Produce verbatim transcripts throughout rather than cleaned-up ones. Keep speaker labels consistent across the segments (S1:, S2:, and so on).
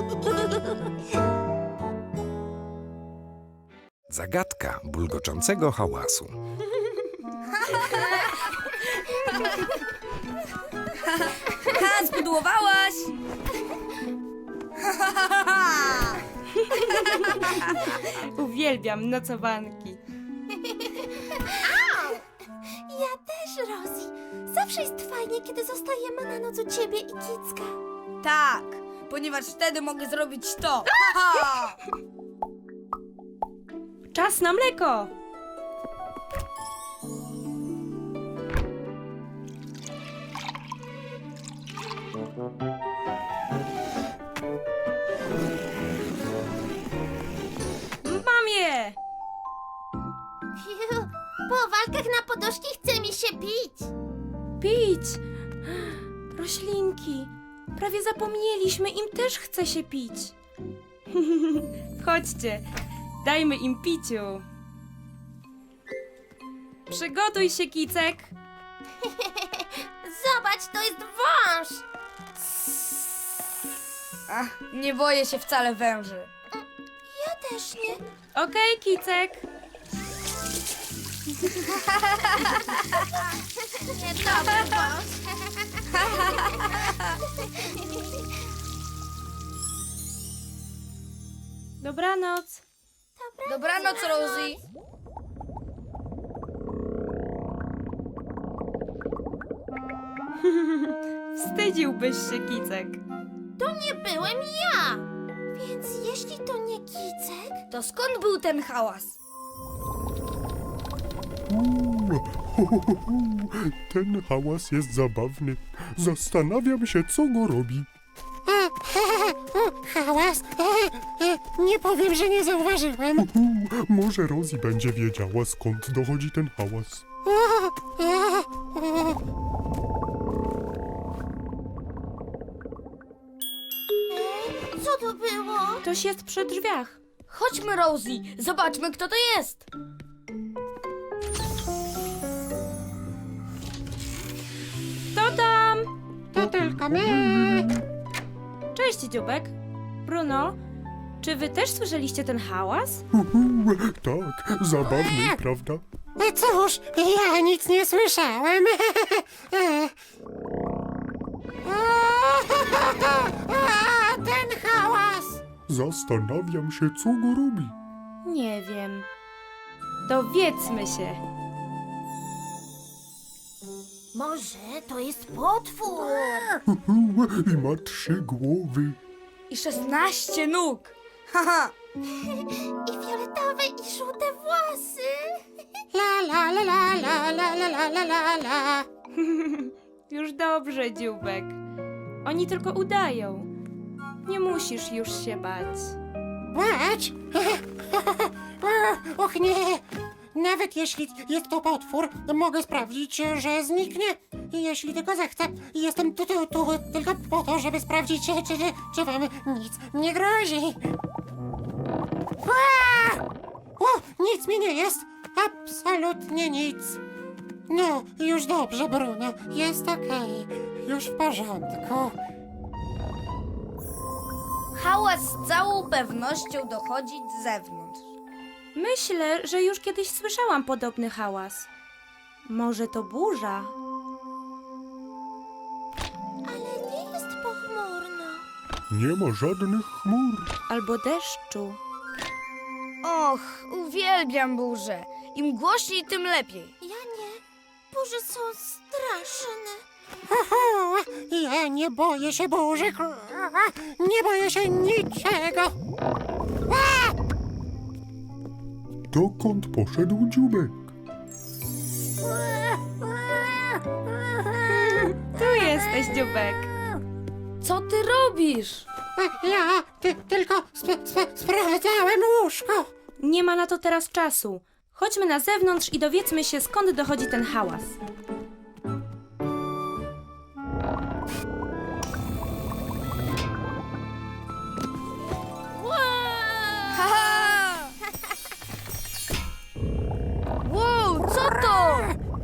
S1: Zagadka bulgoczącego hałasu.
S2: Ha, zbudłowałaś!
S3: Uwielbiam nocowanki.
S4: Ja też, Rosie. Zawsze jest fajnie, kiedy zostajemy na noc u ciebie i Kicka.
S2: Tak, ponieważ wtedy mogę zrobić to. Ha!
S3: Czas na mleko! Mam je!
S4: Fiu, po walkach na podoszki chce mi się pić.
S3: Pić! Roślinki! Prawie zapomnieliśmy, im też chce się pić. Chodźcie, dajmy im piciu. Przygotuj się, Kicek.
S4: Zobacz, to jest wąż.
S2: Ach, nie boję się wcale węży.
S4: Ja też nie.
S3: Okej, Kicek.
S4: Niedobry wąż.
S3: Dobranoc.
S2: Dobranoc, Rosie.
S3: Wstydziłbyś się, Kicek.
S4: To nie byłem ja. Więc jeśli to nie Kicek...
S2: To skąd był ten hałas?
S5: Uuu, ho, ho, ho, ho. Ten hałas jest zabawny. Zastanawiam się, co go robi.
S6: Hałas? Nie powiem, że nie zauważyłem.
S5: Uhu, może Rosie będzie wiedziała, skąd dochodzi ten hałas.
S4: Co to było?
S3: Ktoś jest przy drzwiach.
S2: Chodźmy, Rosie, zobaczmy, kto to jest.
S3: Kto tam?
S6: To tylko my.
S3: Cześć, dziubek. Bruno, czy wy też słyszeliście ten hałas?
S5: Uhu, tak, zabawny, prawda?
S6: Cóż, ja nic nie słyszałem. A, ten hałas.
S5: Zastanawiam się, co go robi.
S3: Nie wiem. Dowiedzmy się.
S4: Może to jest potwór.
S5: Uhu, i ma trzy głowy.
S2: I szesnaście nóg. Haha,
S4: I fioletowe i żółte włosy.
S6: La la la la la la la la la la la.
S3: Już dobrze, dziubek. Oni tylko udają. Nie musisz już się bać.
S6: Bać? Och nie. Nawet jeśli jest to potwór, mogę sprawdzić, że zniknie. Jeśli tylko zechcę. Jestem tu, tu, tu tylko po to, żeby sprawdzić, czy, czy, czy wam nic nie grozi. Ua! O, nic mi nie jest. Absolutnie nic. No, już dobrze, Bruno. Jest okej. Już w porządku.
S2: hałas z całą pewnością dochodzi z zewnątrz.
S3: Myślę, że już kiedyś słyszałam podobny hałas. Może to burza?
S4: Ale nie jest pochmurno.
S5: Nie ma żadnych chmur.
S3: Albo deszczu?
S2: Och, uwielbiam burzę. Im głośniej, tym lepiej.
S4: Ja nie. Burze są straszne.
S6: Oho, ja nie boję się burzy. Nie boję się niczego.
S5: Dokąd poszedł dziubek?
S3: Tu jesteś, dziubek.
S2: Co ty robisz?
S6: Ja ty, tylko sp sp sprawdzałem łóżko.
S3: Nie ma na to teraz czasu. Chodźmy na zewnątrz i dowiedzmy się, skąd dochodzi ten hałas.
S2: Haha! Wow, co to?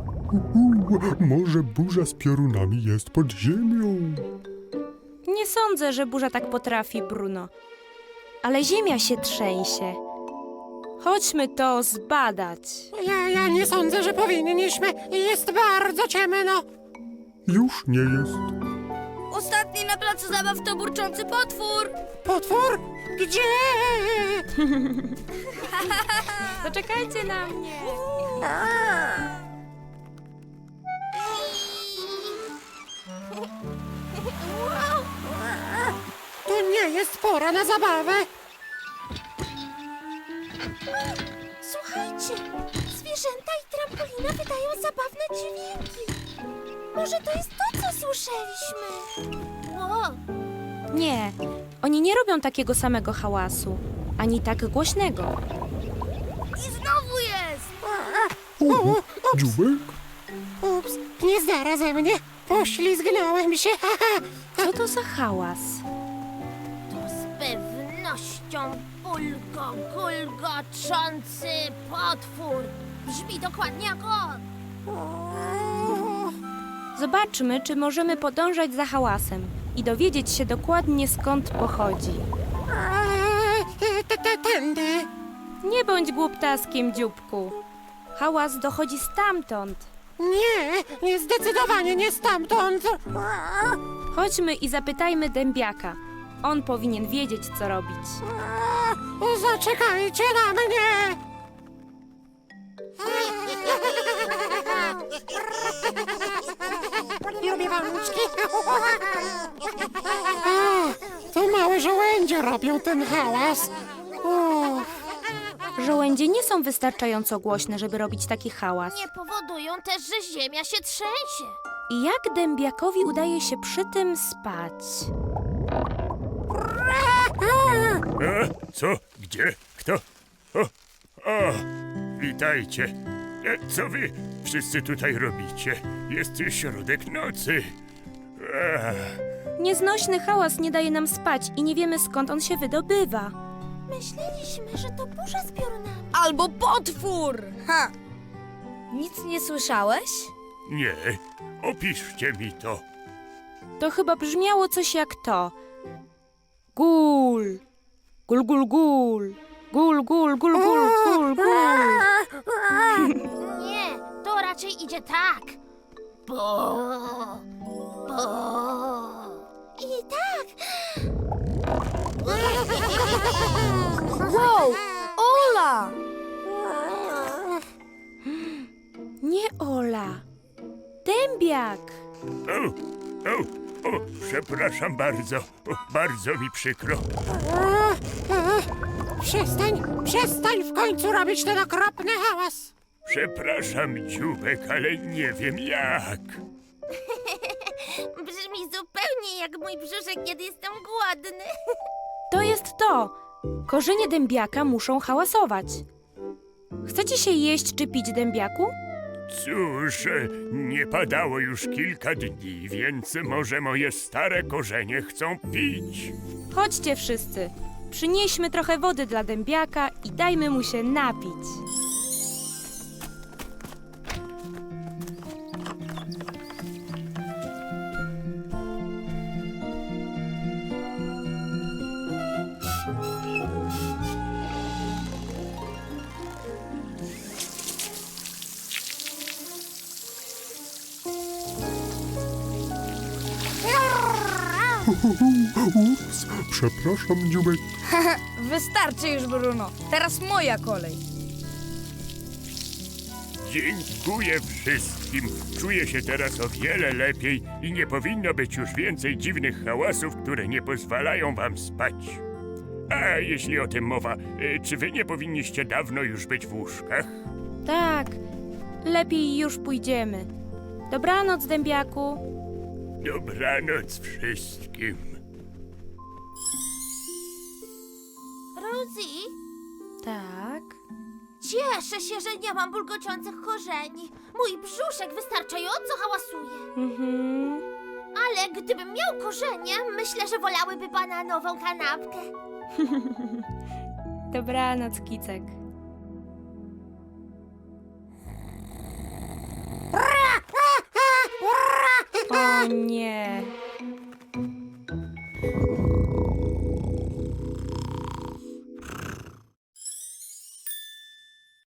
S5: Uhu, może burza z piorunami jest pod ziemią.
S3: Nie sądzę, sądzę, że burza tak potrafi, Bruno. Ale ziemia się trzęsie. Chodźmy to zbadać.
S6: Ja, ja nie sądzę, że powinniśmy. Jest bardzo ciemno.
S5: Już nie jest.
S2: Ostatni na placu zabaw to burczący potwór.
S6: Potwór? Gdzie?
S3: Zaczekajcie na mnie.
S6: To nie jest pora na zabawę.
S4: Słuchajcie, zwierzęta i trampolina wydają zabawne dźwięki. Może to jest to, co słyszeliśmy? Wow.
S3: Nie, oni nie robią takiego samego hałasu, ani tak głośnego.
S2: I znowu jest.
S5: O, dziubek?
S6: Ups, nie zdara ze mnie. Poślizgnąłem się.
S3: Co to za hałas?
S4: To z pewnością bulgo-gulgoczący potwór. Brzmi dokładnie jak on.
S3: Zobaczmy, czy możemy podążać za hałasem i dowiedzieć się dokładnie, skąd pochodzi.
S6: Eee, te- te- Tędy.
S3: Nie bądź głuptaskiem, dzióbku. Hałas dochodzi stamtąd.
S6: Nie, nie, zdecydowanie nie stamtąd.
S3: Chodźmy i zapytajmy dębiaka. On powinien wiedzieć, co robić.
S6: Zaczekajcie na mnie. Lubię walniczki. To małe żołędzie robią ten hałas. Uff.
S3: Żołędzie nie są wystarczająco głośne, żeby robić taki hałas.
S4: Nie powodują też, że ziemia się trzęsie.
S3: I jak dębiakowi udaje się przy tym spać?
S7: A, co? Gdzie? Kto? O, o, witajcie. E, co wy wszyscy tutaj robicie? Jest środek nocy. Ech,
S3: Nieznośny hałas nie daje nam spać i nie wiemy, skąd on się wydobywa.
S4: Myśleliśmy, że to burza z piorunami.
S2: Albo potwór. Ha. Nic nie słyszałeś?
S7: nie, opiszcie mi to.
S3: To chyba brzmiało coś jak to. Gul. Gul, gul, gul. Gul, gul, gul, gul, gul, gul.
S4: Nie, to raczej idzie tak. Bo, bo. I tak.
S2: Wow! Ola!
S3: Nie Ola. Dębiak.
S7: O, o, o, przepraszam bardzo. O, bardzo mi przykro.
S6: Przestań, przestań w końcu robić ten okropny hałas.
S7: Przepraszam, dziubek, ale nie wiem jak.
S4: Brzmi zupełnie jak mój brzuszek, kiedy jestem głodny.
S3: To jest to. Korzenie dębiaka muszą hałasować. Chcecie się jeść czy pić, dębiaku?
S7: Cóż, e, nie padało już kilka dni, więc może moje stare korzenie chcą pić.
S3: Chodźcie wszyscy. Przynieśmy trochę wody dla dębiaka i dajmy mu się napić.
S5: Ups, przepraszam, dziubek.
S2: Wystarczy już, Bruno. Teraz moja kolej.
S7: Dziękuję wszystkim. Czuję się teraz o wiele lepiej i nie powinno być już więcej dziwnych hałasów, które nie pozwalają wam spać. A jeśli o tym mowa, e, czy wy nie powinniście dawno już być w łóżkach?
S3: Tak, lepiej już pójdziemy. Dobranoc, dębiaku.
S7: Dobranoc wszystkim.
S4: Rosie,
S3: Tak.
S4: cieszę się, że nie mam bulgociących korzeni. Mój brzuszek wystarczająco hałasuje.
S3: Mhm.
S4: Ale gdybym miał korzenie, myślę, że wolałyby bananową kanapkę.
S3: Dobranoc, kicek. O nie.